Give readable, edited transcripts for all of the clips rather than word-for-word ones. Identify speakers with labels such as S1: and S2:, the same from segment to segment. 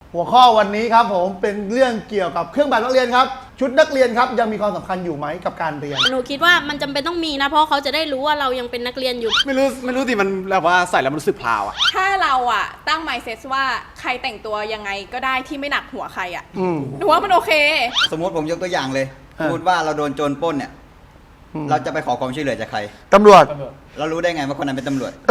S1: หัวข้อวันนี้ครับผมเป็นเรื่องเกี่ยวกับเครื่องแบบนักเรียนครับชุดนักเรียนครับยังมีความสำคัญอยู่ไหมกับการเรียน
S2: หนูคิดว่ามันจำเป็นต้องมีนะเพราะเขาจะได้รู้ว่าเรายังเป็นนักเรียนอยู่
S3: ไม่รู้ดิมันแบบว่าใส่แล้วมันรู้สึกพลาวอะ
S4: ถ้าเราอะตั้ง mindset ว่าใครแต่งตัวยังไงก็ได้ที่ไม่หนักหัวใครอะหนูว่ามันโอเค
S5: สมมติผมยกตัวอย่างเลยสมมติว่าเราโดนโจรปล้นเนี่ยเราจะไปขอความช่วยเหลือจากใคร
S1: ตำรวจ
S5: เรารู้ได้ไงว่าคนนั้นเป็นตำรวจ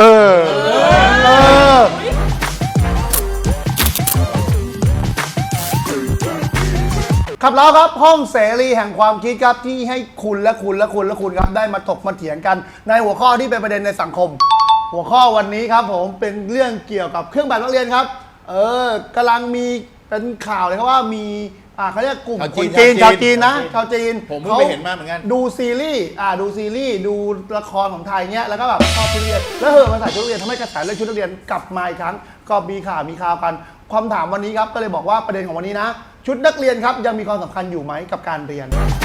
S1: ครับแล้วครับห้องเสรีแห่งความคิดครับที่ให้คุณครับได้มาถกมาเถียงกันในหัวข้อที่เป็นประเด็นในสังคม หัวข้อวันนี้ครับผมเป็นเรื่องเกี่ยวกับเครื่องแบบนักเรียนครับกำลังมีเป็นข่าวเลยครับว่ามีเขาเรียกกลุ่มคนจีนชาวจีนนะชาวจีน
S6: ผมเพิ่งไปเห็นมาเหมือนกัน
S1: ดูซีรีส์ดูละครของไทยเนี้ยแล้วก็แบบชอบชุดนักเรียนแล้วมาใส่ชุดนักเรียนทำให้กระแสเรื่องชุดนักเรียนกลับมาอีกครั้งก็มีข่าวกันความถามวันนี้ครับก็เลยบอกว่าประเด็นของวันนี้นะชุดนักเรียนครับยังมีความสำคัญอยู่ไหมกับการเรียน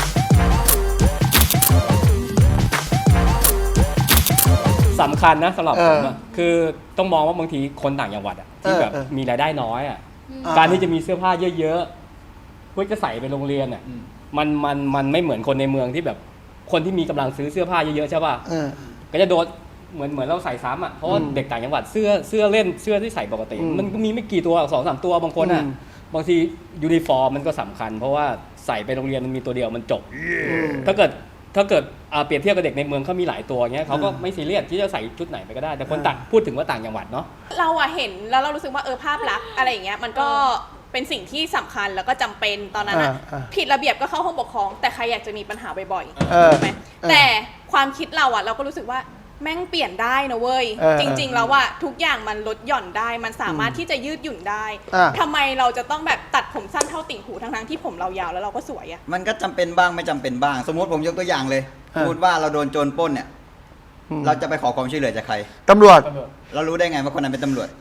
S7: สำคัญนะสำหรับผมคือต้องมองว่าบางทีคนต่างจังหวัดที่แบบมีรายได้น้อยการที่จะมีเสื้อผ้าเยอะๆเพื่อจะใส่ไปโรงเรียนมันไม่เหมือนคนในเมืองที่แบบคนที่มีกำลังซื้อเสื้อผ้าเยอะๆใช่ป่ะก็จะโดนเหมือนเราใส่ซ้ำเพราะว่าเด็กต่างจังหวัดเสื้อเล่นเสื้อที่ใส่ปกติมันก็มีไม่กี่ตัว2-3 ตัวบางคนบางทียูนิฟอร์มมันก็สำคัญเพราะว่าใส่ไปโรงเรียนมันมีตัวเดียวมันจบถ้าเกิดเปรียบเทียบกับเด็กในเมืองเขามีหลายตัวเงี้ยเขาก็ไม่ซีเรียสที่จะใส่ชุดไหนไปก็ได้แต่คนต่างพูดถึงว่าต่างจังหวัดเนาะ
S4: เราเห็นแล้วเรารู้สึกว่าภาพลักษณ์อะไรอย่างเงี้ยมันก็เป็นสิ่งที่สำคัญแล้วก็จำเป็นตอนนั้นผิดระเบียบก็เข้าห้องปกครองแต่ใครอยากจะมีปัญหาบ่อยๆใช่ไหมแต่ความคิดเราก็รู้สึกว่าแม่งเปลี่ยนได้นะเว้ยจริงๆแล้วทุกอย่างมันลดหย่อนได้มันสามารถที่จะยืดหยุ่นได้ทำไมเราจะต้องแบบตัดผมสั้นเท่าติ่งหูทั้งที่ผมเรายาวแล้วเราก็สวย
S5: มันก็จำเป็นบ้างไม่จำเป็นบ้างสมมติผมยกตัวอย่างเลยสมมติว่าเราโดนโจรปล้นเนี่ยเราจะไปขอความช่วยเหลือจากใคร
S1: ตำรวจ
S5: เรารู้ได้ไงว่าคนนั้นเป็นตำรวจ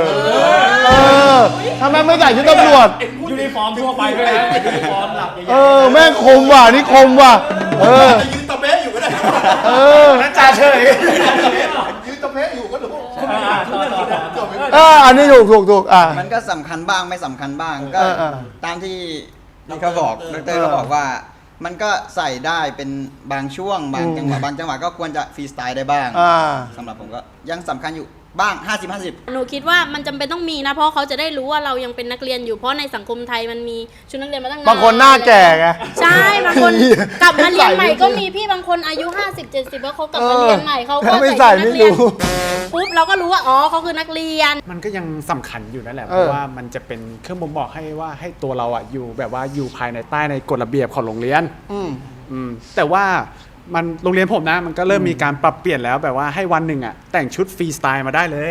S1: ทำไมไม่ใส่ชุดตำรวจ
S7: ยูนิฟอร์มทั่วไปด้วยนะยูนิฟอร์มหลัก
S1: แม่งคมว่ะนี่คมว่ะ
S6: ยืนตะเบ๊ะอยู่ก็ได้
S1: นั่นจ่าเฉย
S6: ยืนตะเบ๊ะอยู่ก็ถูก
S1: อันนี้ถูก
S5: มันก็สำคัญบ้างไม่สำคัญบ้างก็ตามที่เขาบอกดร.เขาบอกว่ามันก็ใส่ได้เป็นบางช่วงบางจังหวะก็ควรจะฟรีสไตล์ได้บ้างสำหรับผมก็ยังสำคัญอยู่บ้าง50-50
S2: หนูคิดว่ามันจำเป็นต้องมีนะเพราะเขาจะได้รู้ว่าเรายังเป็นนักเรียนอยู่เพราะในสังคมไทยมันมีชุดนักเรียนมาตั้งนาน
S1: บางคนหน้าแก่ไง
S2: ใช่บางคนกลับมาเรียนใหม่ก็มีพี่บางคนอายุ50-70แล้วเขากลับมาเรียนใหม่เขาก็ใส่นักเรียนปุ๊บเราก็รู้ว่าเขาคือนักเรียน
S3: มันก็ยังสำคัญอยู่นั่นแหละเพราะว่ามันจะเป็นเครื่องบ่งบอกให้ตัวเราอยู่แบบว่าอยู่ภายในใต้ในกฎระเบียบของโรงเรียนแต่ว่ามันโรงเรียนผมนะมันก็เริ่มมีการปรับเปลี่ยนแล้วแบบว่าให้วันหนึ่งแต่งชุดฟรีสไตล์มาได้เลย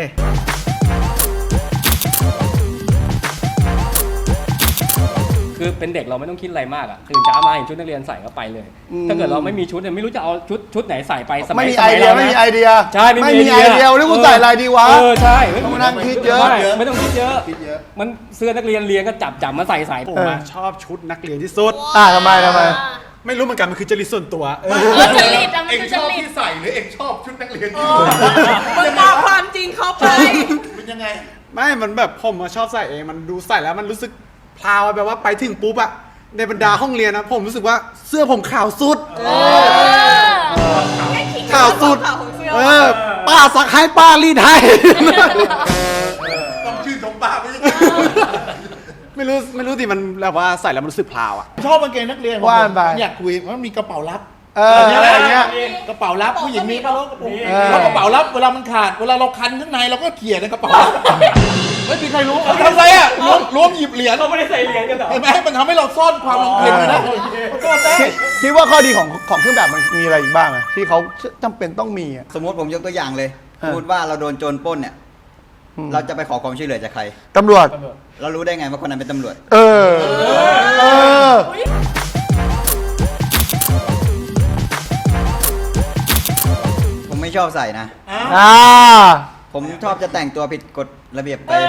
S7: คือเป็นเด็กเราไม่ต้องคิดอะไรมากตื่นเช้ามาเห็นชุดนักเรียนใส่ก็ไปเลยถ้าเกิดเราไม่มีชุดไม่รู้จะเอาชุดไหนใส่ไป
S1: ไม่มีไอเดีย
S7: ใช่ไม่มีไอเดีย
S1: แล้วกูใส่อะไรดีวะ
S7: ใช่
S1: ต้องนั่งคิดเยอะ
S7: ไม่ต้องคิดเยอะมันเสื้อนักเรียนเรียนก็จับมาใส่
S3: ผมชอบชุดนักเรียนที่สุด
S1: ทำไม
S3: ไม่รู้เหมือนกันมันคือจริตส่วนตัว
S4: จริต
S6: เองชอบที่ใส่หรือเองชอบชุดนักเรียน
S4: มันบอกความจริงเข้าไป
S6: เป็นยังไง
S3: ไม่มันแบบผมชอบใส่เองมันดูใส่แล้วมันรู้สึกพลาวแบบว่าไปถึงปุ๊บในบรรดาห้องเรียนนะผมรู้สึกว่าเสื้อผมขาวสุดขาวสุดป้าสักให้ป้ารีดให้
S6: ต้องชื่นชมป้า
S3: ไม่รู้ดิมันแบบว่าใส่แล้วมันรู้สึกพลาว
S6: ชอบกางเกงนักเรียน
S1: ว่าไป
S6: อยากคุยมันมีกระเป๋าลับ
S1: อะไรเงี้ย
S6: กระเป๋าลับผู้หญิงมีป่ะแล้วกระเป๋าลับเวลามันขาดเวลาเราคันข้างในเราก็เขี่ยในกระเป๋าไม่มีใครรู้ทำไรล้วงหยิบเหรียญ
S7: เขาไม่ได้ใส่เหรียญกันหรอ
S6: เห็นไหมมันทำให้เราซ่อนความลังเลนะ
S1: คิดว่าข้อดีของเครื่องแบบมันมีอะไรอีกบ้างที่เขาจำเป็นต้องมี
S5: สมมติผมยกตัวอย่างเลยสมมติว่าเราโดนโจรปล้นเนี่ยเราจะไปขอความช่วยเหลือจากใคร
S1: ตำรวจ
S5: เรารู้ได้ไงว่าคนนั้นเป็นตำรวจผมไม่ชอบใส่นะผมชอบจะแต่งตัวผิดกฎระเบียบไป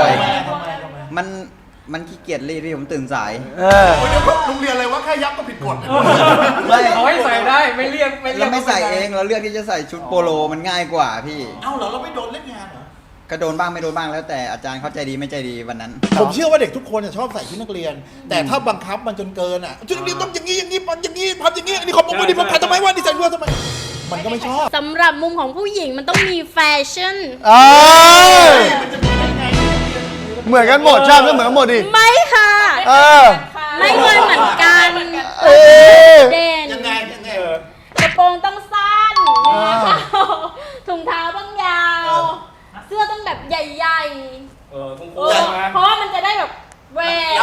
S5: มันขี้เกียจรีดที่ผมตื่นสาย
S6: โรงเรียนอะไรวะแค่ยับก็ผิดกฎ
S7: ไม่เขาให้ใส่ได้ไม่เรียก
S5: เราไม่ใส่เองเราเลือกที่จะใส่ชุดโปโลมันง่ายกว่าพี่
S6: เอ้าเหรอเราไม่โดนเล่นงานเหรอ
S5: ก็โดนบ้างไม่โดนบ้างแล้วแต่อาจารย์เขาใจดีไม่ใจดีวันนั้น
S6: ผมเชื่อว่าเด็กทุกคนชอบใส่ชุดนักเรียน แต่ถ้าบังคับมันจนเกินอ่ะชุดนักเรียนต้องอย่างนี้อย่างนี้ทำอย่างนี้อันนี้ของผมไม่ดีผมขัดทำไมวะนี่ใส่ด้วยทำไมมันก็ไม่ชอบ
S2: สำหรับมุมของผู้หญิงมันต้องมีแฟชั่น
S1: เหมือนกันหมดใช่ไหมเหมือนกันหมดดิ
S2: ไม่ค่ะ ไม่เคยเหมือนกัน เด่น
S6: ยังไง
S2: กระโปรงต้องสั้นถุงเท้าต้องยาว เสื้อต้องแบบใหญ่ๆเพราะว่ามันจะได้แบบแหวก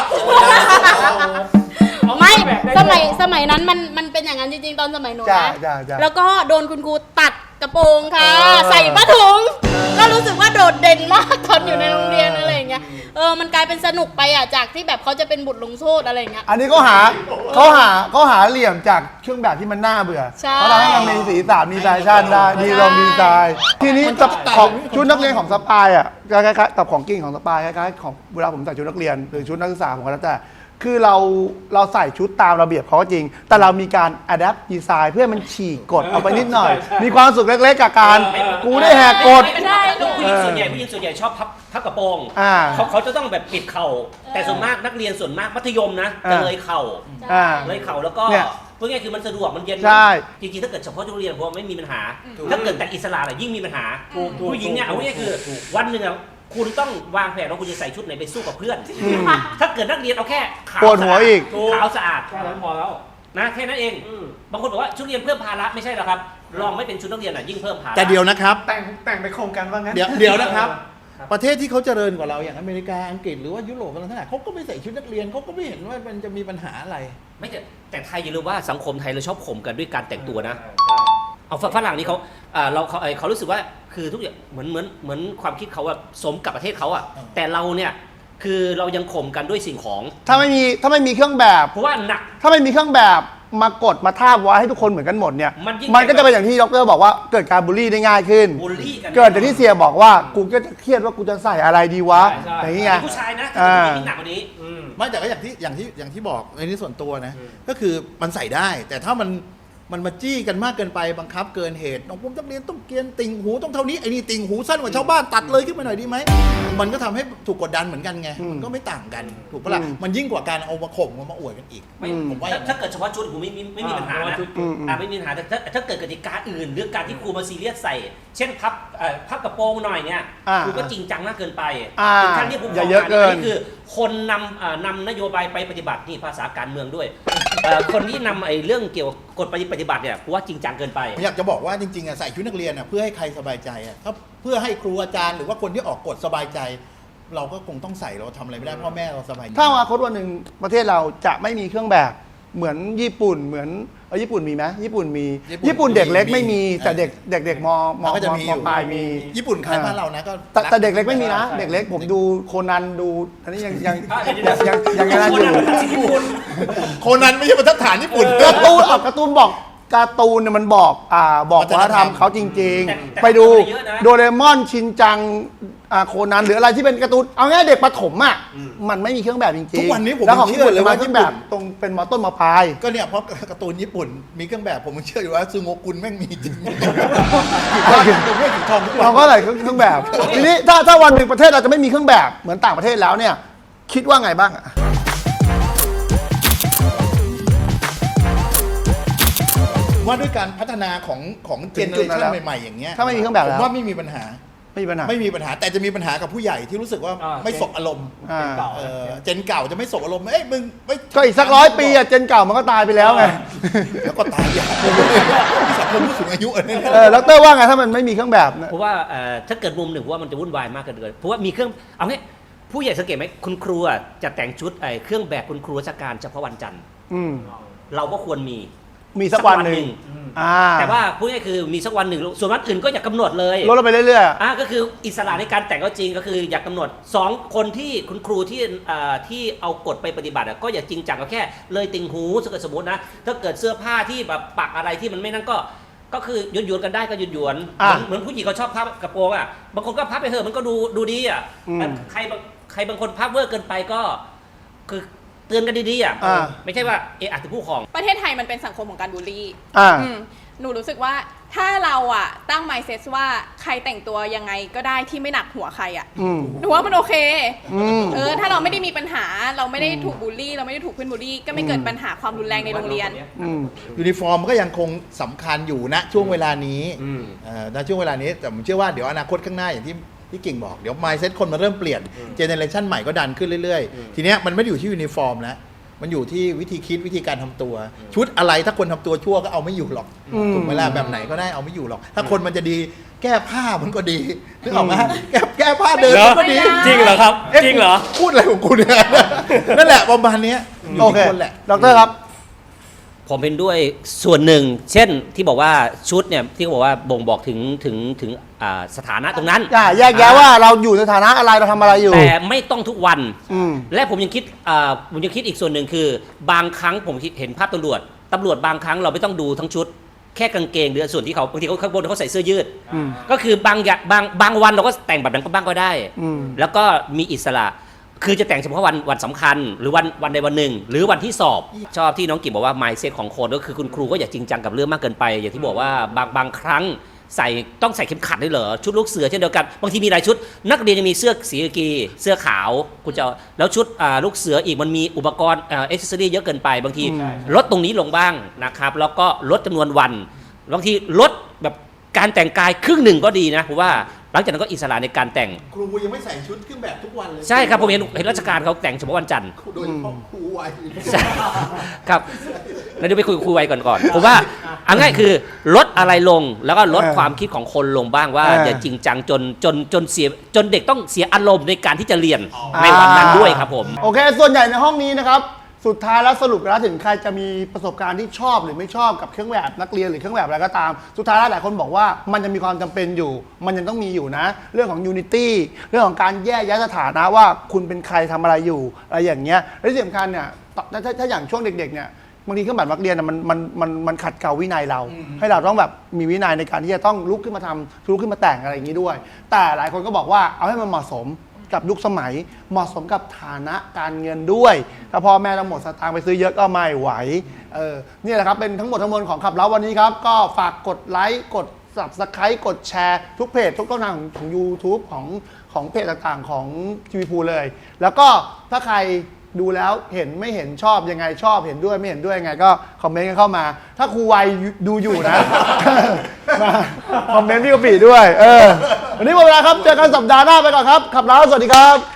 S2: ไม่สมัยนั้นมันเป็นอย่างนั้นจริงๆตอนสมัยหนูนะแล้วก็โดนคุณครูตัดกระโปรงค่ะ ใส่ผ้าถุงก็รู้สึกว่าโดดเด่นมากตอนอยู่ในโรงเรียนอะไรอย่างเงี้ยมันกลายเป็นสนุกไปอ่ะจากที่แบบเขาจะเป็นบทลงโทษอะไรอย่างเงี้ย
S1: อันนี้เขาหาเหลี่ยมจากเครื่องแบบที่มันน่าเบื่อ
S2: ใช่
S1: เขาทำให้มันมีสีสันมีแฟชั่นได้ดีลองดีไซน์ทีนี้ของชุดนักเรียนของสปายอ่ะคล้ายๆกับของกิ้งของสปายคล้ายๆของเวลาผมใส่ชุดนักเรียนหรือชุดนักศึกษาผมก็แล้วแต่คือเราใส่ชุดตามระเบียบเขาก็จริง แต่เรามีการ adapt design เพื่อมันฉีกกฎเอาไปนิดหน่อย มีความสุขเล็กๆกับการกูได้แหกกฎ
S8: ผู้หญิงส่วนใหญ่ชอบพับกระโปรงเขาจะต้องแบบปิดเข่าแต่ส่วนมากนักเรียนส่วนมากมัธยมนะจะเลยเข่าแล้วก็เพื่อไงคือมันสะดวกมันเย็นจริงๆถ้าเกิดเฉพาะโรงเรียนพอไม่มีปัญหาถ้าเกิดแต่อิสระยิ่งมีปัญหาผู้หญิงเนี่ยเอาง่ายคือวันหนึ่งคุณต้องวางแผนว่าคุณจะใส่ชุดไหนไปสู้กับเพื่อนถ้าเกิดนักเรียนเอาแค่ขาว
S1: ปวดหัวอีก
S8: ขาวสะอาดแค่นั้นพอแล้วนะแค่นั้นเองบางคนบอกว่าชุดเรียนเพิ่มภาระไม่ใช่หรอกครับลองไม่เป็นชุดนักเรียนยิ่งเพิ่มภาระ
S6: แต่เดียวนะครับ
S3: แต่งไปโครงกันว่างั้น
S6: เดี๋ยวนะครับ ประเทศที่เขาเจริญกว่าเราอย่างอเมริกาอังกฤษหรือว่ายุโรปอะไรทั้งหลายเขาก็ไม่ใส่ชุดนักเรียนเขาก็ไม่เห็นว่ามันจะมีปัญหาอะไร
S8: ไม่แต่ไทยอย่าลืมว่าสังคมไทยเราชอบข่มกันด้วยการแต่งตัวนะเอาฝรั่งนี่เขารู้สึกว่าคือทุกอย่างเหมือนความคิดเขาว่าสมกับประเทศเขาอ่ะแต่เราเนี่ยคือเรายังข่มกันด้วยสิ่งของ
S1: ถ้าไม่มีเครื่องแบบ
S8: เพราะว่าหนัก
S1: ถ้าไม่มีเครื่องแบบมากดมาทาบไว้ให้ทุกคนเหมือนกันหมดเนี่ย
S8: มัน
S1: ก็จะเป็นอย่างที่ดรบอกว่าเกิดการบูลลี่ได้ง่ายขึ้น
S8: บูลลี่กัน
S1: เกิดจากที่เสียบอกว่ากูก็จะเครียดว่ากูจะใส่อะไรดีวะอย่างนี้ไง
S8: ผู้ชายนะจะมีหนักกว่านี้
S6: ไม่แต่ก็อย่างที่บอกในนี้ส่วนตัวนะก็คือมันใส่ได้ แต่ถ้ามันมาจี้กันมากเกินไปบังคับเกินเหตุน้องผมนักเรียนต้องเกรียนติ่งหูต้องเท่านี้ไอ้นี่ติ่งหูสั้นกว่าชาวบ้านตัดเลยขึ้นมาหน่อยดีไหมมันก็ทำให้ถูกกดดันเหมือนกันไงมันก็ไม่ต่างกันถูกปะล่ะมันยิ่งกว่าการเอามาข่มมาอวดกันอีกผมว่า
S8: ถ้าเกิดเฉพาะชุดผมไม่มีปัญหานะไม่มีปัญหาแต่ถ้าเกิดกติกาอื่นเรื่องการที่ครูมาซีเรียสใส่เช่นพับกระโปรงหน่อยเนี่ยครูก็จริงจังมากเกินไปถึงขั้นที่ผมบอกนี่คือคนนำนโยบายไปปฏิบัตินี่ภาษาการเมืองด้วยคนที่นำไอ้เรื่องเกี่ยวกับกฎปฏิบัติเนี่ยกูว่าจริงจังเกินไป
S6: ผมอยากจะบอกว่าจริงๆใส่ชุดนักเรียนเพื่อให้ใครสบายใจถ้าเพื่อให้ครูอาจารย์หรือว่าคนที่ออกกฎสบายใจ เราก็คงต้องใส่เราทำอะไรไม่ได้พ่อแม่เราสบายใจ
S1: ถ้าอนาคตวันหนึ่งประเทศเราจะไม่มีเครื่องแบบเหมือนญี่ปุ่นเหมือนญี่ปุ่นมีไหมญี่ปุ่นมีญี่ปุ่นเด็กเล็กไม่มีแต่เเด็กมปลายมี
S6: ญี่ปุ่นคล้ายบ้านเรานะก็
S1: แต่เด็กเล็กไม่มีนะเด็กเล็กผมดูโคนันดูอันนี้ยังนั้นอยู่
S6: โคนันไม่ใช่บรรทัดฐานญี่ปุ่น
S1: การ์ตูนบอกการ์ตูนเนี่ยมันบอกวัฒนธรรมเขาจริงๆไปดูโดเรมอนชินจังโคนันหรืออะไรที่เป็นการ์ตูนเอาง่ายเด็กประถมอ่ะมันไม่มีเครื่องแบบจริงๆ
S6: ทุกวันนี้ผม
S1: แล้วของญี่ปุ่น
S6: เลย
S1: ว่าเครื่องแบบตรงเป็นมอต้นมอปลาย
S6: ก็เนี่ยเพราะการ์ตูนญี่ปุ่นมีเครื่องแบบผมเชื่ออยู่ว่าซึโงกุนแม่งมีจริง
S1: เราก็ใส่เครื่องแบบทีนี้ถ้าวันหนึ่งประเทศเราจะไม่มีเครื่องแบบเหมือนต่างประเทศแล้วเนี่ยคิดว่าไงบ้าง
S6: ว่าด้วยการพัฒนาของเจเนอเรชันใหม่ๆอย่างเงี้ย
S1: ถ้าไม่มีเครื่องแบบแล้ว
S6: ว่าไม่มีปัญหาแต่จะมีปัญหากับผู้ใหญ่ที่รู้สึกว่าไม่สบอารมณ์เจนเก่าจะไม่สบอารมณ์มึง
S1: ก็อีกสัก100 ปีเจนเก่ามันก็ตายไปแล้วไง
S6: แล้วก็ตายอย่างสังคมผู้สูงอายุ
S1: แล้วเต้ว่าไงถ้ามันไม่มีเครื่องแบบ
S8: เพราะว่าถ้าเกิดมุมหนึ่งว่ามันจะวุ่นวายมากเกินเพราะว่ามีเครื่องเอางี้ผู้ใหญ่สังเกตไหมคุณครูจะแต่งชุดเครื่องแบบคุณครูราชการเฉพาะวันจันทร์เราก็ควรมี
S1: สักวันหนึ่ง
S8: แต่ว่าพูดง่ายคือมีสักวันหนึ่งส่วนวันอื่นก็อย่ากำหนดเลย
S1: ลดไปเรื่อย
S8: ๆก็คืออิสระในการแต่งก็จริงก็คืออยากกำหนด2คนที่คุณครูที่เอากฎไปปฏิบัติก็อย่าจริงจังก็แค่เลยติ่งหูสมมตินะถ้าเกิดเสื้อผ้าที่แบบปักอะไรที่มันไม่นั่นก็คือหยวนกันได้ก็หยวนเหมือนผู้หญิงเขาชอบพับกระโปรงบางคนก็พับไปเถอะมันก็ดูดีใครบางคนพับเวอร์เกินไปก็คือเตือนกันดีๆไม่ใช่ว่าอาจจะผู้ของ
S4: ประเทศไทยมันเป็นสังคมของการบูลลี่หนูรู้สึกว่าถ้าเราอะตั้ง mindset ว่าใครแต่งตัวยังไงก็ได้ที่ไม่หนักหัวใครอะหนูว่ามันโอเคถ้าเราไม่ได้มีปัญหาเราไม่ได้ถูกบูลลี่เราไม่ได้ถูกเพื่อนบูลลี่ก็ไม่เกิดปัญหาความรุนแรงในโรงเรียน
S6: ยูนิฟอร์มก็ยังคงสำคัญอยู่ณช่วงเวลานี้ณช่วงเวลานี้แต่ผมเชื่อว่าเดี๋ยวอนาคตข้างหน้าอย่างที่กิ่งบอกเดี๋ยว mindset คนมันเริ่มเปลี่ยนเจเนอเรชันใหม่ก็ดันขึ้นเรื่อยๆทีเนี้ยมันไม่ได้อยู่ที่ยูนิฟอร์มแล้วมันอยู่ที่วิธีคิดวิธีการทำตัว ชุดอะไรถ้าคนทำตัวชั่วก็เอาไม่อยู่หรอกถูกไหมล่ะแบบไหนก็ได้เอาไม่อยู่หรอก ถ้าคนมันจะดีแก้ผ้ามันก็ดีนึกออกไหมแก้ผ้าเดินมันก็ดี
S7: จริงเหรอครับจริงเหรอ
S6: พูดอะไรของคุณเนี่ยนั่นแหละประมาณนี้อยู่
S1: โอ
S6: ที่
S1: เค
S6: คนแหละ
S1: ดรครับ
S8: ผมเห็นด้วยส่วนหนึ่ง เช่นที่บอกว่าชุดเนี่ยที่เขาบอกว่าบ่งบอกถึงสถานะตรงนั้น
S1: แยกแยะว่าเราอยู่ในฐานะอะไรเราทำอะไรอยู่
S8: แต่ไม่ต้องทุกวัน
S1: อืม
S8: และผมยังคิดอีกส่วนหนึ่งคือบางครั้งผมเห็นภาพตำรวจบางครั้งเราไม่ต้องดูทั้งชุดแค่กางเกงหรือส่วนที่เขาบางทีเขาข้างบนเขาใส่เสื้อยืด ก็คือบางวันเราก็แต่งแบบนั้นก็บ้างก็ได้ แล้วก็มีอิสระคือจะแต่งเฉพาะวันสำคัญหรือวันใดวันหนึ่งหรือวันที่สอบชอบที่น้องกิ่งบอกว่า mindset ของคนก็คือคุณครูก็อย่าจริงจังกับเรื่องมากเกินไปอย่างที่บอกว่าบางครั้งต้องใส่เข็มขัดด้วยเหรอชุดลูกเสือเช่นเดียวกันบางทีมีหลายชุดนักเรียนยังมีเสื้อสีกากีเสื้อขาวคุณจะแล้วชุดลูกเสืออีกมันมีอุปกรณ์เอ็กซ์เซอรี่เยอะเกินไปบางทีลดตรงนี้ลงบ้างนะครับแล้วก็ลดจำนวนวันบางทีลดแบบการแต่งกายครึ่งหนึ่งก็ดีนะเพราะว่าหลังจากนั้นก็อิสระในการแต่ง
S6: ครูยังไม่ใส่ชุดเครื่องแบบทุกวันเลย
S8: ใช่ครับผมเห็นราชการเขาแต่งเฉพาะวันจันทร์
S6: โดยเฉพาะครูวัย
S8: ใช่ครับแล้วเดี๋ยวไปคุยกับครูไว้ก่อนผมว่าเอาง่ายคือลดอะไรลงแล้วก็ลดความคิดของคนลงบ้างว่าอย่าจริงจังจนเสียจนเด็กต้องเสียอารมณ์ในการที่จะเรียนในวันนั้นด้วยครับผม
S1: โอเค ส่วนใหญ่ในห้องนี้นะครับ สุดท้ายแล้วสรุปแล้วถึงใครจะมีประสบการณ์ที่ชอบหรือไม่ชอบกับเครื่องแบบนักเรียนหรือเครื่องแบบอะไรก็ตาม สุดท้ายแล้วหลายคนบอกว่ามันจะมีความจำเป็นอยู่ มันยังต้องมีอยู่นะ เรื่องของ unity เรื่องของการแยกแยะสถานะว่าคุณเป็นใครทำอะไรอยู่อะไรอย่างเงี้ยและที่สำคัญเนี่ยถ้าอย่างช่วงเด็กๆเนี่ยบางทีเครื่องแบบนักเรียนมันขัดเกลาวินัยเรา ให้เราต้องแบบมีวินัยในการที่จะต้องลุกขึ้นมาทำลุกขึ้นมาแต่งอะไรอย่างนี้ด้วย แต่หลายคนก็บอกว่าเอาให้มันเหมาะสมกับยุคสมัยเหมาะสมกับฐานะการเงินด้วยถ้าพ่อแม่เราหมดสตางค์ไปซื้อเยอะก็ไม่ไหวนี่แหละครับเป็นทั้งหมดทั้งมวลของขับเล้าวันนี้ครับก็ฝากกดไลค์กด Subscribe กดแชร์ทุกเพจทุกช่องทางของ YouTube ของเพจต่างๆของทีวีพูเลย แล้วก็ถ้าใครดูแล้วเห็นไม่เห็นชอบยังไงชอบเห็นด้วยไม่เห็นด้วยยังไงก็คอมเมนต์กันเข้ามา ถ้าครูวัยดูอยู่นะ มาคอมเมนต์พี่กะปิด้วยวันนี้หมดเวลาครับเจอกันสัปดาห์หน้าไปก่อนครับขับเล้าสวัสดีครับ